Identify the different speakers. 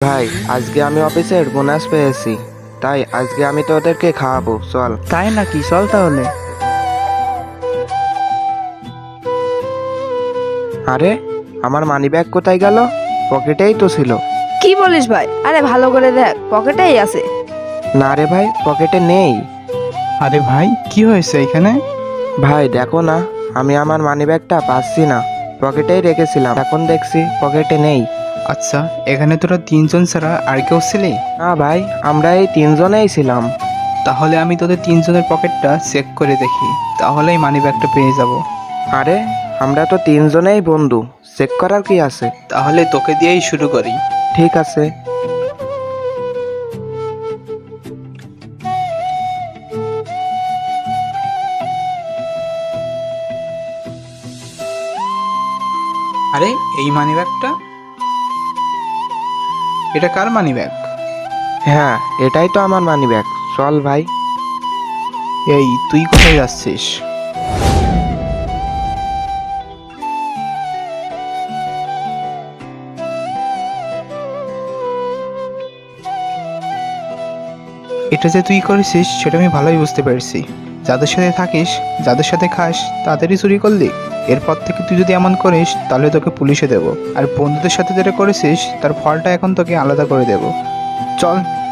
Speaker 1: ভাই, আজকে আমি অফিসের বোনাস পেয়েছি, তাই আজকে আমি তোদেরকে খাওয়াবো, চল।
Speaker 2: তাই নাকি? চল তাহলে।
Speaker 1: আরে, আমার মানিব্যাগ কোথায় গেল? পকেটেই তো ছিল।
Speaker 3: কি বলিস ভাই? আরে ভালো করে দেখ, পকেটেই আছে।
Speaker 1: না রে ভাই, পকেটে নেই।
Speaker 2: আরে ভাই, কি হয়েছে এখানে?
Speaker 1: ভাই দেখো না, আমি আমার মানিব্যাগটা পাচ্ছি না। পকেটেই রেখেছিলাম, এখন দেখছি পকেটে নেই।
Speaker 2: আচ্ছা, এখানে তোরা তিনজন ছাড়া আর কেউ ছিলি?
Speaker 1: না ভাই, আমরা এই তিনজনেই ছিলাম।
Speaker 2: তাহলে আমি তোদের তিনজনের পকেটটা চেক করে দেখি, তাহলেই মানি ব্যাগটা পেয়ে যাব।
Speaker 1: আরে, আমরা তো তিনজনেই বন্ধু, চেক করার কি আছে?
Speaker 2: তাহলে তোকে দিয়েই শুরু করি।
Speaker 1: ঠিক আছে।
Speaker 2: আরে, এই মানি ব্যাগটা, এটা কার মানি ব্যাগ?
Speaker 1: হ্যাঁ, এটাই তো আমার মানিব্যাগ। চল ভাই।
Speaker 2: এই, তুই কোথায় যাচ্ছিস? এটা যে তুই করেছিস সেটা আমি ভালোই বুঝতে পেরেছি। যাদের সাথে থাকিস, যাদের সাথে খাস, তাদেরই চুরি করলি। এরপর থেকে তুই যদি এমন করিস তাহলে তোকে পুলিশে দেব। আর বন্ধুদের সাথে যেটা করেছিস তার ফলটা এখন তোকে আলাদা করে দেব। চল।